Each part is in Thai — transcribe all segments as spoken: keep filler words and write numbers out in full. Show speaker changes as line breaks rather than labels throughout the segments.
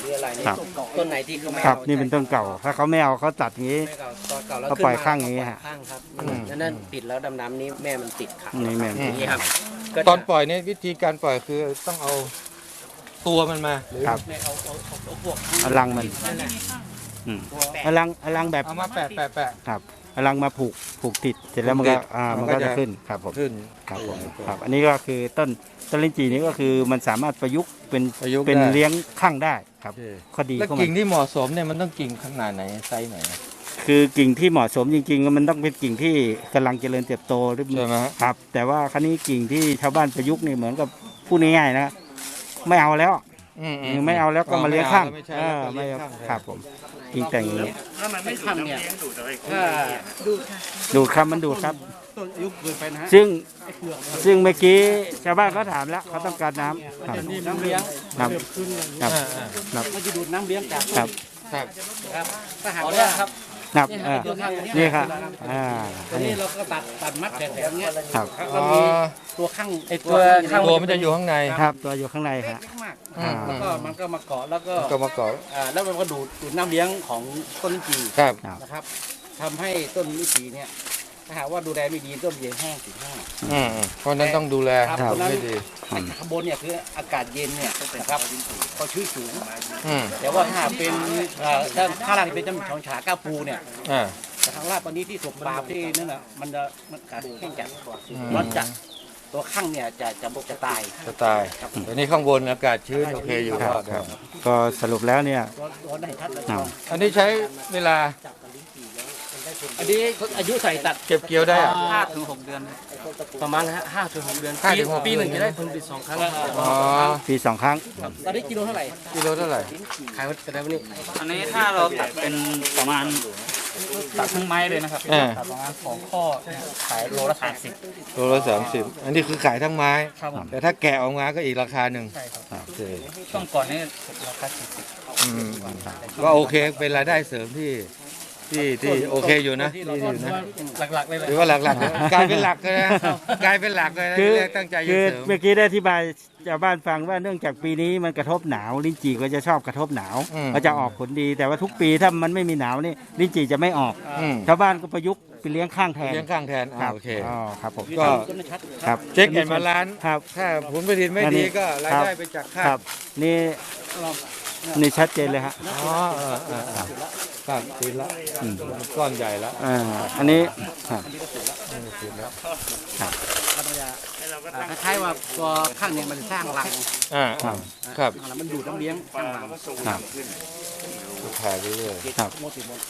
รืออะไรนี่ต้นไหนที่เขาไม่
ครับ
เอา
นี่เป็นต้นเก่าถ้าเขาไม่เอาเขาตัดอย่างนี้
ไม่เก่าต้นเก่าแล้ว
เขา
ขึ้น
ปล่อย
มา
ข้างอย่างนี้ฮะ
ข้างครับแล้วนั่นปิดแล้วดำน้ำนี้แม่มันติดขัง
นี่แม่
อย่างนี้ครับก็
ตอนปล่อยเนี่ยวิธีการปล่อยคือต้องเอาตัวมันมาหรือ
ครับ
ไม่เอาเอาเอาเอาพวก
เอาลังมันอืมเอาลังเอาลังแบบ
เอามาแปะแปะแปะ
ครับเอาลังมาผูกผูกติดเสร็จแล้วมันก็อ่า
มั
มัน
นก็
ก็จะ
จะ
ขึ้นครับผม
ขึ้น
ครับผมครับอันนี้ก็คือต้นต้นลิ้นจี่นี้ก็คือมันสามารถประยุกต์เป็น
ประยุกต์
เป็น
ได้
เลี้ยงข้างได้ครับ
โอเค
ข้อดี
แล้ว
ของมั
กิ่ง
น
ที่เหมาะสมเนี่ยมันต้องกิ่งขนาดไหนไซส์ไหน
คือกิ่งที่เหมาะสมจริงๆมันต้องเป็นกิ่งที่กำลังเจริญเติบโตหรือ
ใช่ไหมฮะ
ครับ แต่ว่าครั้นี้กิ่งที่ชาวบ้านประยุกต์นี่เหมือนกับพูดง่ายๆนะไม่เอาแล้ว
อืม
ไม่เอาแล้วก็มาเลี้ยงข้าง
ไม่ใช่
เอ
แล้ว
อ
ก็
ไม่
เลี้ยง
เอา
ข้างแทน
ครับผมกิ่งแต่งอย่างนี้
ถ้ามันไม่ขังเนี่ยถ้าดู
ดูดครับมันดูดครับ
ต้นอายุเกินไปนะฮะ
ซึ่งซึ่งเมื่อกี้ชาวบ้านเขาถามแล้วเขาต้องการน้ำครับ
นี่น้ำเลี้ยง
ครับ
ขึ้นอย่างนี้
ครับ
อ่าอ่า
ครับ
มันจะดูดน้ำเลี้ยงจาก
ครับ
ครับ
ครับถ้าหากว่าครับ
ครับ
นี่
เออ
ตัวข้าง
นี่ครับอ่า
ตัวนี้เราก็ตัดตัดมัดแถวๆเนี้ย
ครับ
แล้ว
อ๋
ก็
อ
มีตัวข้างไอตัว
ข้างตัวมันจะอยู่ข้างใน
ครับตัวอยู่ข้างใน
เล็
ฮะ
กมาก
อืม
แล้วก็มันก็มาเกาะแล้วก็
ก็มาเกาะ
อ่าแล้วมันก็ดูดดูดน้ำเลี้ยงของต้นลิ้นจี่
ครับ
นะครับทำให้ต้นลิ้นจี่เนี่ยถ้าหากว่าดูแลไม่ดีต้นเย็นแห้งสีแห้ง
อืมอืมเพราะฉะนั้นต้องดูแล
ครับ
ไม่ดี
ข้างบนเนี่ยคืออากาศเย็นเนี่ยนะครับเขาชื้นสูง
อืม
แต่ว่าถ้าเป็นเอ่อด้านข้างล่างที่เป็นจำชองฉาก้าปูเนี่ย
อ่า
แต่ข้างล่างตอนนี้ที่ถูกปราบที่นั่นน่ะมันจะมันขาดแห้งจัด
อืม
ร้อนจัดตัวข้างเนี่ยจะจะบกจะตาย
จะตายแต่นี่ข้างบนอากาศชื้นโอเคอยู่
ครับ
รอด
ครับก็สรุปแล้วเนี่ย
ตัวตัวได้ชัดเลย
ครับ
อันนี้ใช้เวลา
อันนี้อายุใส่ตัด
เก็บเกี่ยวได้อะ
ห้าถึงหกเดือน ประมาณนะฮะห้าถึงหกเดือน
ห้า
ปี
ถึงหก
ปีหนึ่ง
เดือน
จะได้ผลผลิตสองครั้ง
อ๋อ
ปีสองครั้ง
ตอนนี้กิโลเท่าไหร่
กิโลเท่าไหร่
ขายวันกระไดวันนี้
อันนี้ถ้าเราตัดเป็นประมาณตัดทั้งไม้เลยนะครับ
อ่า
ตัดประมาณสองข้อเนี่ยขายโลละสามสิบ
โลละสามสิบอันนี้คือขายทั้งไม้
ครับผม
แต่ถ้าแกะออกมาก็อีกราคาหนึ่ง
ใช่ครับ
โอเค
ช่วงก่อนนี่ราคาสี่สิบ
อืมก็โอเคเป็นรายได้เสริมที่ที่ที่โอเคอยู่นะที่อยู่นะ
หลักๆเลยแหละ
หรือว่าหลักๆนะกลายเป็นหลักเลยนะกลายเป็นหลักเลยนะ
คือ
ที่แรกตั้งใจจะ
คือ
เสริม
เมื่อกี้ได้อธิบายชาวบ้านฟังว่าเนื่องจากปีนี้มันกระทบหนาวลิ้นจี่ก็จะชอบกระทบหนาว
อืม
ก็จะออกผลดี แต่ว่าทุกปีถ้ามันไม่มีหนาวนี่ลิ้นจี่จะไม่ออก
อืม
ชาวบ้านก็ประยุกต์ไปเลี้ยงข้างแทน
เลี้ยงข้างแทน
ค
อ่า
รับ
โอเค
อ๋อครับผม
ก็
ต้นไม่ชัด
ครับ
เช็คเห็นมาล้าน
ครับ
ถ้าผลผลิตไม่ดีก็รายได้ไปจากข้า
ครับ นี่นี่ชัดเจนเลยฮะ
อ๋อเออเออเออครับติดละอืมก้อนใหญ่ละ
อ่าอันนี้ครับ
ติดแล้ว
มันจะอ่าคล้ายๆว่าตัวข้างเนี่ยมันสร้างรัง
อ่าอ่าครับ
แล้วมันดูดน้ำเลี้ยงสร้างรัง
ครับ
ถ่ายไปเรื่อย
ครับ
โมติโม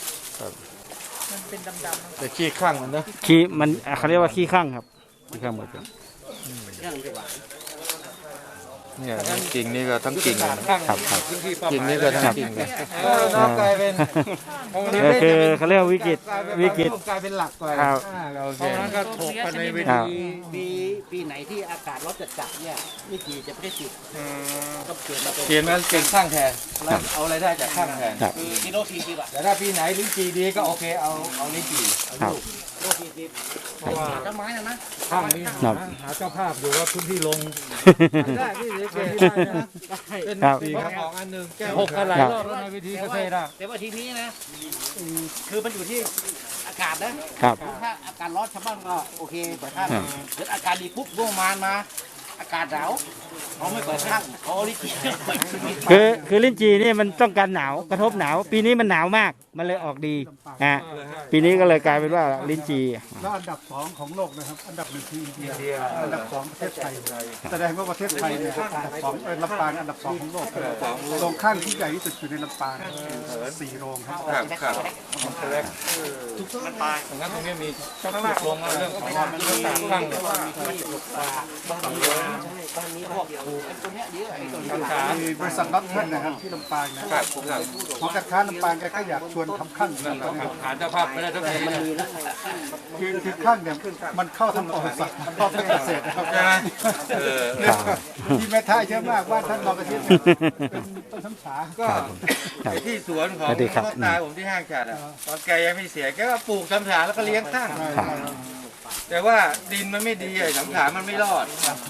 แต่ขี้ข้างมันเนอะ
ขี้มันเขาเรียกว่าขี้ข้างครับขี้ข้างหมดเลย
เรื่องดีกว่า
เนี่ยกิ่งนี่ก็ทั้งกิ่งเลยนะ
ครับครับ
กิ่งนี่ก็ทั้งกิ่งเลยน้องกลายเป็น
ก็คือเขาเรียกว่าวิกฤตวิกฤต
กลายเป็นหลักกว่า
ครับ
อ่าโอเค
เพราะฉะนั้นก็ถกกันในเว
ครั
ที
บ
ปีปีไหนที่อากาศร้อนจัดๆเนี่ยวิธีจะไม่ได้ติดก็เปลี่ยนมาเป็น
เปลี่ยนมาเป็นข้างแทนแล้วเอารายได้จากข้างแทน
ครับ
คือกิโลสี่สิบอะ
แต่ถ้าปีไหนลิ้นจีดีก็โอเคเอาเอาลิ้นจี
ครับ
กิโลสี่สิบเพราะว่าต้นไม้นะนะ
ข้างนี้
ครับ
หาเจ้าภาพอยู่ว่าพื้นที่ลงได้พี่เก๋ได้นะเป็น
ครับ
สี่กระบอกอันหนึ่งแก้ว
หกกันหลาย
ครับ
รอบแล้วในวิธี
แต่
เก
ว่า
ษตรอ่ะ
แต่ว่าทีนี้นะอืมคือมันอยู่ที่อากาศนะครับ ถ้าอากาศร้อนชาวบ้านก็โอเคแต่ถ้า
ครับ
เกิดอากาศดีปุ๊บร่วงมานมา อากาศหนาวเขาไม่เปิดข้างเขาเอาลิขิตเปิดชีวิต
คือคือลิ้นจีนี่มันต้องการหนาวกระทบหนาว ปีนี้มันหนาวมากมันเลยออกดีอ่ะปีนี้ก็เลยกลายเป็นว่าลิ้นจี
แล้วอันดับสองของโลกนะครับ อันดับหนึ่งคืออินเดีย อันดับสองประเทศไทย แสดงว่าประเทศไทยเนี่ยอันดับสองเอ่อลำปางอันดับสองของโลกโรงข้างที่ใหญ่ที่สุดอยู่ในลำปางสี่โรงครับ
ครับครับทุกมันตายงั้นตรงนี้มีชักลงเรื่องของมันเรื่องต่างข้างเนี่ย
บางทีบางนี้พวกปลูกไอ้ตัวเนี้ยเยอะไอ้ตัวนี้
มีบริษัทรับเงินนะครับที่ลำปางนะครับหอการค้าลำปางแกก็อยากชวนทำข้างนะครับตอนนี้
ฐานเจ้าภาพไม่ได้ทั้งทีนะ
คือคือข้างเนี่ยมันเข้าทั้งบริษัทเข้าทั้งเกษตรนะครับ
ใช่ไหมเออ
ที่แม่ท่าเยอะมากว่าท่านรองกระทิบเนี่ยเป็นต้นช้ำฉา
ก็ไอ้ที่สวนของ
สวัสดีครับ
พ่อตาผมที่ห้างจัดอ่ะตอนแกยังไม่เสียแกก็ปลูกสำฉาแล้วก็เลี้ยงข้าง
ครับ
แต่ว่าดินมันไม่ดีไอ้สำฉามันไม่รอด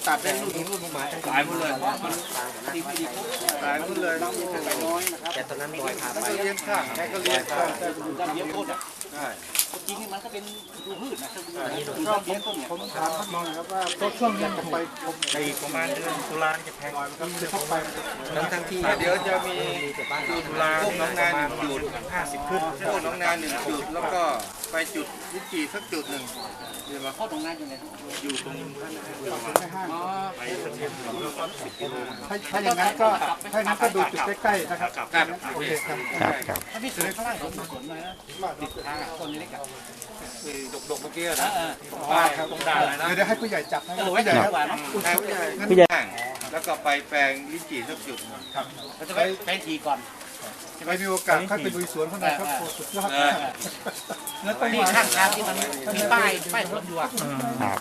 ตัดเป็นรุ่นรุ่นมาสายหมดเลยมันดีไม่ดีสายหมดเลยน้องยังไปน้อยนะครับแต่ตอนนั้นลอยผ่านไปเลี้ยงข้างแค่ก็เลี้ยงข้างแต่ดูด้านเลี้ยงต้นอ่ะใช่จริงๆมันก็เป็นดูพืชนะดูด้านเลี้ยงต้นเนี่ย
ผมถามท่านมองนะครับว่าช่วงนี้ผมไปผม
ในประมาณเดือนตุลาจะแพง
จะเข้าไป
ทั้งทั้งที่
เดี๋ยวจะมีตุลาพวกน้องนาหนึ่งจุดห้าสิบขึ้นพวกน้องนาหนึ่งจุดแล้วก็ไปจุดวิจีสักจุดหนึ่ง
เดี๋ยวมาเข้าตรงนั้นยังไง
อยู่ตรง
ในห้าง
อ๋อ
ไปสักเดือนสิบกิโล
ถ้าถ้าอย่างนั้นก็ถ้าอย่างนั้นก็ดูจุดใกล้ๆนะครับ
ครับ
โอเคครับ
ครับครับ
ถ้าพี่สวยข้างล่างผมสวนเลยนะติดทางต้นนี้ได้กับ
ดกๆเมื่อกี้
เอ
นะ
อ
ป้ายตรงด่านเลยนะ
เดี๋ยวเดี๋ยวให้ผู้ใหญ่จับให้
เออ
ผู้
ไว้
ใหญ่
ใหญ่
ครับ
กว่าเนาะ
ใช่ผู้ใหญ่
ผู้ใหญ่
แล้วก็ไปแปลงลิ้นจี่สักจุด
ครับ
เราจะไปไปทีก่อน
ไปมีโอกาสค่อยไปลุยสวนข้างในครับโอ้สุดยอด
เออ
แล้วต้อง
นี่
มา
ข้างทางที่มันมีป้ายป้ายสวนอยู่อ่ะ
ครับ